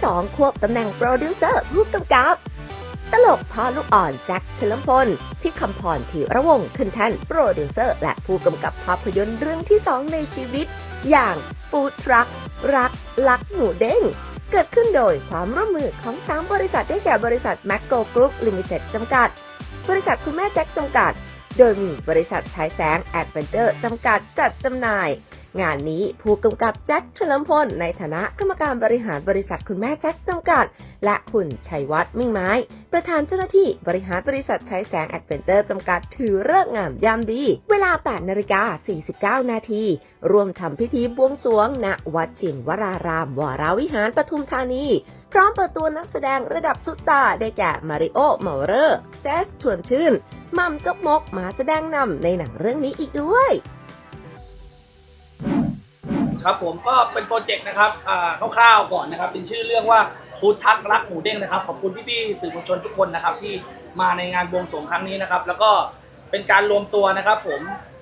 2ควบตำแหน่งโปรดิวเซอร์ผู้กำกับตลกพ่อลูกอ่อนแจ็คเฉลิมพลที่คำพรธีระวงศ์ขึ้นแท่นโปรดิวเซอร์และผู้กำกับภาพยนตร์เรื่องที่ 2 ในชีวิตอย่างฟู้ดทรัครักลักหมูเด้งเกิดขึ้นโดยความร่วมมือของ3บริษัทได้แก่บริษัทแมคโกกรุ๊ปลิมิเต็ดจำกัดบริษัทคุณแม่แจ็คจำกัดโดยมีบริษัทฉายแสงแอดเวนเจอร์จำกัดจัดจำหน่ายงานนี้ผู้กำกับแจ็คเฉลิมพลในฐานะกรรมการบริหารบริษัทคุณแม่แจ็คจำกัดและคุณชัยวัฒน์มิ่งไม้ประธานเจ้าหน้าที่บริหารบริษัทฉายแสงแอดเวนเจอร์จำกัดถือฤกษ์งามยามดีเวลา 8:49 นาทีร่วมทำพิธีบวงสรวงณวัดชินวรารามวรวิหารปทุมธานีพร้อมเปิดตัวนักแสดงระดับซุปตาร์ได้แก่มาริโอเมาเลอร์แจ๊สชวนชื่นมัมจกมกมาแสดงนำในหนังเรื่องนี้อีกด้วยครับผมก็เป็นโปรเจกต์นะครับคร่าวๆก่อนนะครับเป็นชื่อเรื่องว่าฟู้ดทักรักหมูเด้งนะครับขอบคุณพี่ๆสื่อมวลชนทุกคนนะครับที่มาในงานบวงสรวงครั้งนี้นะครับแล้วก็เป็นการรวมตัวนะครับผม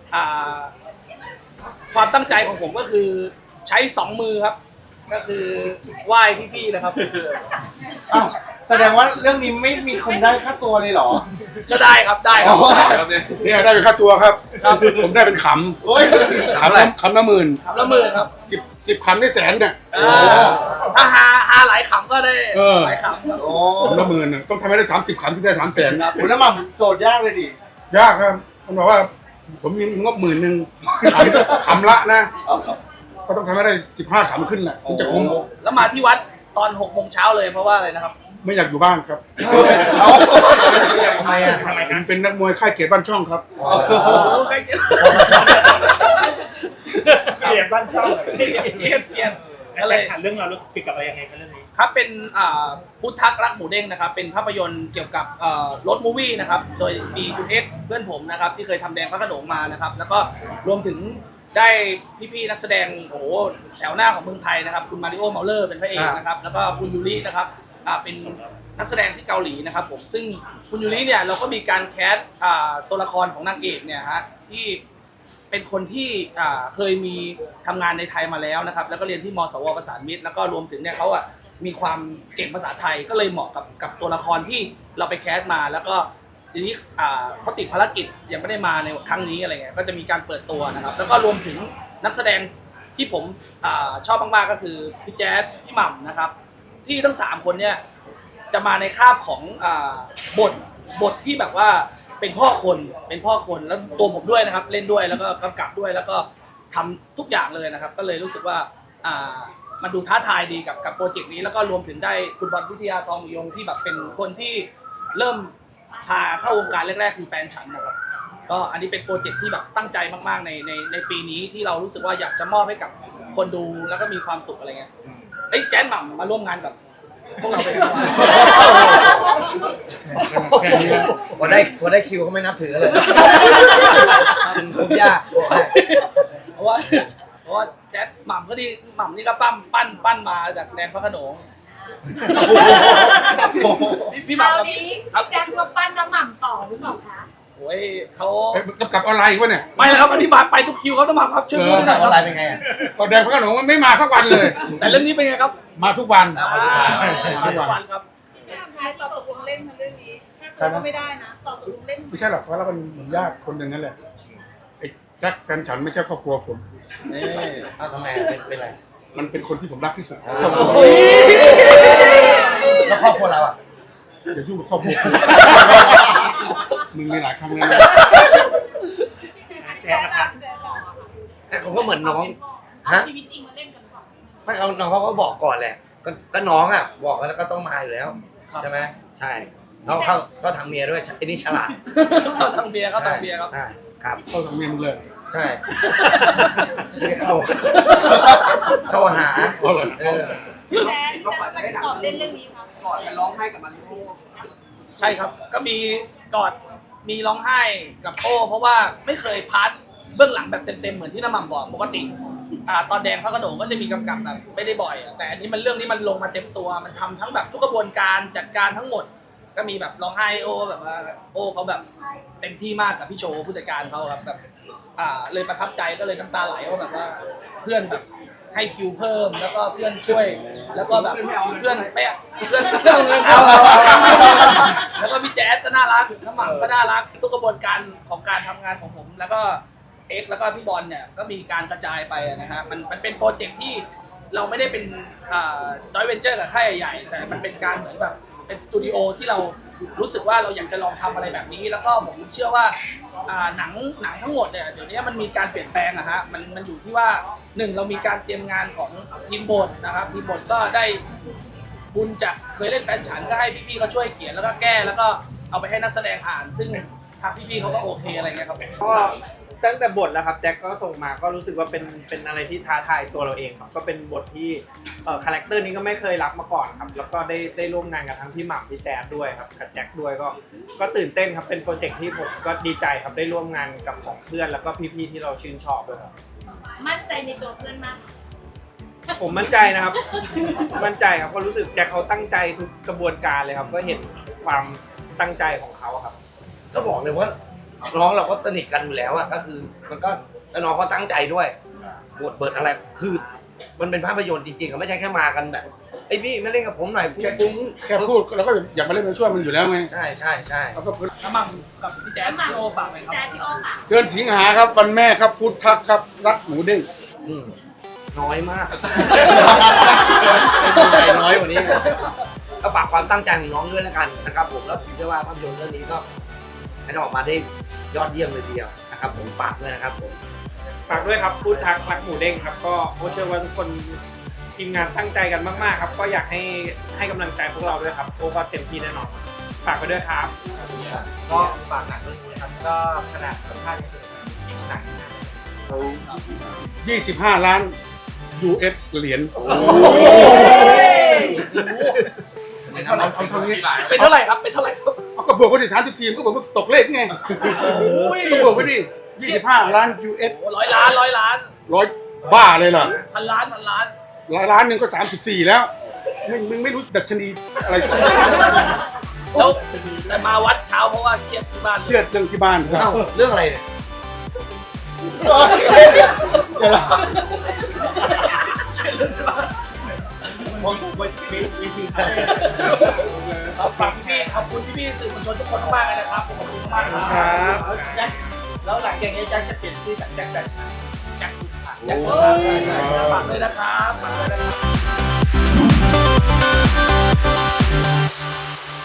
ความตั้งใจของผมก็คือใช้2มือครับก็คือไหว้พี่ๆนะครับอ้าวแสดงว่าเรื่องนี้ไม่มีคนได้ค่าตัวเลยเหรอก็ได้ครับได้ครับเนี่ยได้เป็นค่าตัวครับผมได้เป็นขำโอ้ยขำละหมื่นครับสิบขำได้แสนเนี่ยถ้าหาหลายขำก็ได้หลายขำโอ้ขำละหมื่นต้องทำให้ได้30ขำที่ได้300,000 ครับคุณน้ำมันโจทย์ยากเลยดิยากครับผมบอกว่าผมมีงบ10,000ขำละนะก็ต้องทำให้ได้15ขำขึ้นแหละถึงจะคุ้มแล้วมาที่วัดตอน6 โมงเช้าเลยเพราะว่าอะไรนะครับไม่อยากอยู่บ้านครับทำไมอ่ะผมเป็นนักมวยค่ายเกียรติบ้านช่องครับค่ายเกียรติบ้านช่องเกียรติอะไรเรื่องเราเกี่ยวกับอะไรยังไงกันเรื่องนี้ครับเป็นฟู้ดทักรักหมูเด้งนะครับเป็นภาพยนตร์เกี่ยวกับรถมูวี่นะครับโดยมีคุณเอ็กซ์เพื่อนผมนะครับที่เคยทำแดงพระโขนงมานะครับแล้วก็รวมถึงได้พี่ๆนักแสดงโอ้โหแถวหน้าของเมืองไทยนะครับคุณมาริโอเมาเลอร์เป็นพระเอกนะครับแล้วก็คุณยูรินะครับเป็นนักแสดงที่เกาหลีนะครับผมซึ่งคุณยูริเนี่ยเราก็มีการแคสตัวละครของนางเอกเนี่ยฮะที่เป็นคนที่เคยมีทำงานในไทยมาแล้วนะครับแล้วก็เรียนที่มสวประสานมิตรแล้วก็รวมถึงเนี่ยเขามีความเก่งภาษาไทยก็เลยเหมาะกับตัวละครที่เราไปแคสมาแล้วก็ทีนี้เขาติดภารกิจยังไม่ได้มาในครั้งนี้อะไรเงี้ยก็จะมีการเปิดตัวนะครับแล้วก็รวมถึงนักแสดงที่ผมชอบมากๆก็คือพี่แจ๊สพี่หม่ำนะครับที่ทั้ง3คนเนี่ยจะมาในคาบของบทที่แบบว่าเป็นพ่อคนแล้วตัวผมด้วยนะครับเล่นด้วยแล้วก็กำกับด้วยแล้วก็ทำทุกอย่างเลยนะครับก็เลยรู้สึกว่ามันดูท้าทายดีกับโปรเจกต์นี้แล้วก็รวมถึงได้คุณบอลวิทยาทองยงที่แบบเป็นคนที่เริ่มพาเข้าวงการแรกๆคือแฟนฉันนะครับก็อันนี้เป็นโปรเจกต์ที่แบบตั้งใจมากๆในปีนี้ที่เรารู้สึกว่าอยากจะมอบให้กับคนดูแล้วก็มีความสุขอะไรเงี้ยแจ๊สหม่ำมาร่วมงานกับพวกเราเป็นพอได้คิวก็ไม่นับถือเลยผมยากเพราะว่าแจ๊สหม่ำก็ดีหม่ำนี่ก็ปั้นมาจากแดนพระโขนงพี่หม่ำกับแจ็คมาปั้นน้ำหม่ำต่อหรือเปล่าคะโอ้ยเขากลับออนไลน์อีกวะเนี่ยไม่แล้วครับอันนี้มาไปทุกคิวเขาต้องมาครับช่วยพูดหน่อยออนไลน์เป็นไงก็แดงพระโขนงไม่มาสักวันเลยแต่เรื่องนี้เป็นไงครับมาทุกวันมาทุกวันครับต่อตกลงเล่นเรื่องนี้ถ้าก็ไม่ได้นะต่อตกลงเล่นไม่ใช่หรอกเพราะเราเป็นญาติคนหนึ่งนั่นแหละไอ้แจ็คแฟนฉันไม่ใช่ครอบครัวผมนี่ทำไมเป็นไรมันเป็นคนที่ผมรักที่สุดแล้วครอบครัวเราอ่ะอย่ายุ่งกับครอบครัวมึงมีหลายครั้งแล้วแจ๊คนะครับเขาก็เหมือนน้องชีวิตจริงมาเล่นกันก่อนไม่เอาน้องเขาก็บอกก่อนแหละก็น้องอ่ะบอกแล้วก็ต้องมาอยู่แล้วใช่ไหมใช่น้องเขาก็ทางเมียด้วยไอ้นี่ฉลาดเขาทางเบียร์ครับครับเข้าทางเมียมึงเลยใช่ไม่เข้าหาแจ๊คตอบเล่นเรื่องนี้ครับกอดกันร้องไห้กับมันใช่ครับก็มีกอดมีร้องไห้กับโอ้เพราะว่าไม่เคยพาร์ทเบื้องหลังแบบเต็มๆเหมือนที่น้ำหม่ำบอกปกติตอนแดงพระโขนงก็จะมีกำกับแบบไม่ได้บ่อยแต่อันนี้มันเรื่องนี้มันลงมาเต็มตัวมันทำทั้งแบบทุกกระบวนการจัดการทั้งหมดก็มีแบบร้องไห้โอ้แบบว่าโอ้เขาแบบเต็มที่มากกับพี่โชว์ผู้จัดการเขาครับแบบเลยประทับใจก็เลยน้ำตาไหลว่าแบบว่าเพื่อนแบบให้คิวเพิ่มแล้วก็เพื่อนช่วยแล้วก็แบบเพื่อนไม่เพื่อนเอาเงินแล้วก็พี่แจ๊สก็น่ารักน้ำหม่ำก็น่ารักทุกกระบวนการของการทำงานของผม แล้วก็เอ็กซ์แล้วก็พี่บอลเนี่ยก็มีการกระจายไปนะฮะมันเป็นโปรเจกต์ที่เราไม่ได้เป็นจอยเวนเจอร์กับค่ายใหญ่ๆแต่มันเป็นการเหมือนแบบเป็นสตูดิโอที่เรารู้สึกว่าเราอยากจะลองทำอะไรแบบนี้ แล้วก็ผมเชื่อว่าหนังทั้งหมดเนี่ยเดี๋ยวนี้มันมีการเปลี่ยนแปลงอะฮะมันอยู่ที่ว่าหนึ่งเรามีการเตรียมงานของทีมบทนะครับทีมบทก็ได้บุญจากเคยเล่นแฟนฉันก็ให้พี่ๆเขาช่วยเขียนแล้วก็แก้แล้วก็เอาไปให้นักแสดงอ่าน ซึ่งทางพี่ๆเขาก็โอเคอะไรเงี้ยครับก็ตั้งแต่บทแล้วครับแจ็คก็ส่งมาก็รู้สึกว่าเป็นอะไรที่ท้าทายตัวเราเองครับก็เป็นบทที่คาแรคเตอร์นี้ก็ไม่เคยรับมาก่อนครับแล้วก็ได้ร่วมงานกับทั้งพี่หม่ำพี่แจ๊ดด้วยครับกับแจ็คด้วยก็ตื่นเต้นครับเป็นโปรเจกต์ที่ผมก็ดีใจครับได้ร่วมงานกับของเพื่อนแล้วก็พี่ๆที่เราชื่นชอบด้วยครับมั่นใจในตัวเพื่อนมากผมมั่นใจนะครับ มั่นใจครับก็รู้สึกแจ็คเขาตั้งใจทุกกระบวนการเลยครับก็เห็นความตั้งใจของเขาครับก็บอกเลยว่าน้องเราก็สนิทกันอยู่แล้วอะก็คือมันก็แล้วน้องเขาตั้งใจด้วยบทเปิดอะไรคือมันเป็นภาพยนตร์จริงๆไม่ใช่แค่มากันแบบไอ้พี่มาเล่นกับผมหน่อยฟุ้งแค่พูดเราก็อยากมาเล่นมาช่วยมันอยู่แล้วไงใช่ใช่ใช่เราก็น้ำหม่ำกับพี่แจ๊สพี่โอฝากไหมครับแจ๊ดพี่อ้อค่ะเดือนสิงหาครับวันแม่ครับพุทธักครับรักหมูเด้งน้อยมากน้อยกว่านี้ก็ฝากความตั้งใจของน้องด้วยแล้วกันนะครับผมแล้วผมเชื่อว่าภาพยนตร์เรื่องนี้ก็ให้ออกมาได้ยอดเยี่ยมเลยทีเดียวนะครับผมฝากด้วยนะครับผมฝากด้วยครับฟู้ดทักรักหมูเด้งครับก็โอเชื่อว่าทุกคนทีมงานตั้งใจกันมากๆครับก็อยากให้กำลังใจพวกเราด้วยครับโอก็เต็มที่แน่นอนฝากไปด้วยครับก็ฝากหนังเรื่องนี้นะครับก็ขนาดสัมภาษณ์ในสื่อหนังนะ 25 ล้าน US เหรียญ เอาเท่านี้เป็นเท่าไหร่ครับเป็นเท่าไหร่ครับเอาก็บวกไปดิ34มันก็บอกว่าตกเลขไงก็บวกไปดิ25 ล้าน US โอ้ร้อยล้านร้อยบ้าเลยเหรอพันล้านล้านหนึ่งก็34แล้วมึงไม่รู้ดัชนีอะไรแล้วแต่มาวัดเช้าเพราะว่าเครียดที่บ้านเครียดเรื่องที่บ้านครับเรื่องอะไรเนี่ยฝากพี่ขอบคุณพี่สื่อมวลชนทุกคนมากเลยนะครับขอบคุณมากครับแล้วหลังจากนี้แจ็คจะเปลี่ยนชื่อจากแจ็คแบบอยากฝากเลยนะครับฝากเลยนะครับ